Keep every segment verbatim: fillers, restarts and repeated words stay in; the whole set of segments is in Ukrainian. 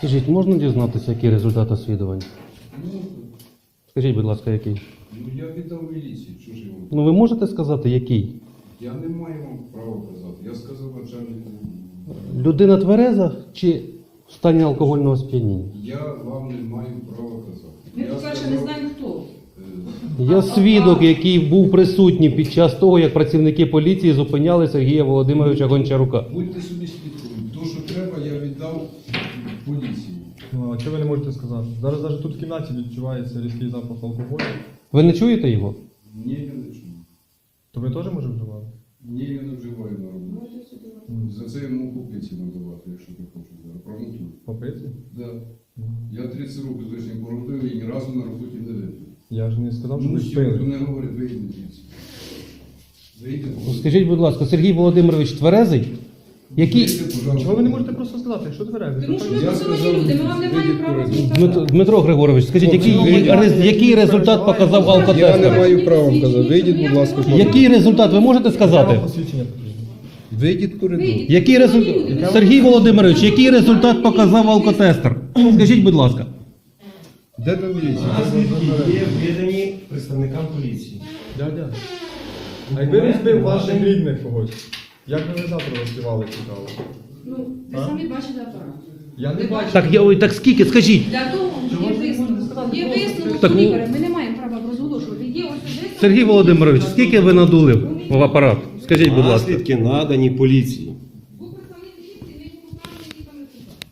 Скажіть, можна дізнатися, який результат освідування? Ну, Скажіть, будь ласка, який? ну я віддав міліції, що ж я вам? Ну ви можете сказати, який? Я не маю вам права казати. Я сказав начальнику. Людина твереза чи в стані алкогольного сп'яніння? Я вам не маю права казати. Ми, Я по-перше, сказав, не знаємо хто. е, Я свідок, який був присутній під час того, як працівники поліції зупиняли Сергія Володимировича Гончарука. Будьте собі свідком. То, що треба, я віддав поліції. Ну, а чого ви не можете сказати? Зараз навіть тут в кімнаті відчувається різкий запах алкоголю. Ви не чуєте його? Ні, я не чую. То ви теж може вживати? Ні, я не вживаю на роботі. За це йому купиці надавати, якщо ти хочеш зараз. Промонтую. Попиці? Да. Я тридцять років з лишнім породив і ні разу на роботі не випив. Я ж не сказав, що Ну, ви всі, хто пили. не говорить, вийдіть звідси. Вийдіть. Скажіть, будь ласка, Сергій Володимирович тверезий? Який... Вийдіть, пожалуйста. Чого ви не можете просто сказати, якщо тверезий? Тому що ми Я посилені сказав, люди, ми вам не маємо вийдіть права коридор. сказати. Дмитро, Дмитро Григорович, скажіть, який, Вийдіть. рез- який результат показав Я не алкотестер? маю права вам казати. Вийдіть, будь ласка, з Який результат, ви можете сказати? Посвідчення покажіть. Вийдіть в коридор. Вийдіть. Який результат? Сергій Володимирович, який результат показав алкотестер? Скажіть, будь ласка. Де там міліція? Наслідки є видані представникам поліції. Дядя. А якби він збив ваших рідних когось, як би ви завтра розпівали цікаво? Ну, ви самі бачите апарат. Я не бачу. Так, я, ой, так скільки, скажіть. Для того є висновок. Є висновок Так, ну- лікаря, ми не маємо права розголошувати. Є ось висновок. Сергій Володимирович, скільки ви надули в апарат? Скажіть, будь ласка. Наслідки надані поліції. Був представник поліції, ми йому показали, які там результати.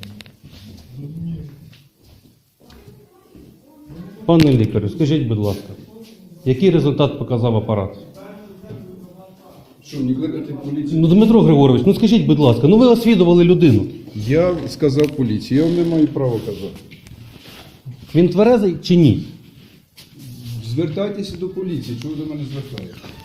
Пане лікарю, скажіть, будь ласка, який результат показав апарат? Що, не кликати поліцію? Ну, Дмитро Григорович, ну скажіть, будь ласка, ну ви освідували людину. Я сказав поліції, я вам не маю права казати. Він тверезий чи ні? Звертайтеся до поліції, чого ви до мене звертаєте?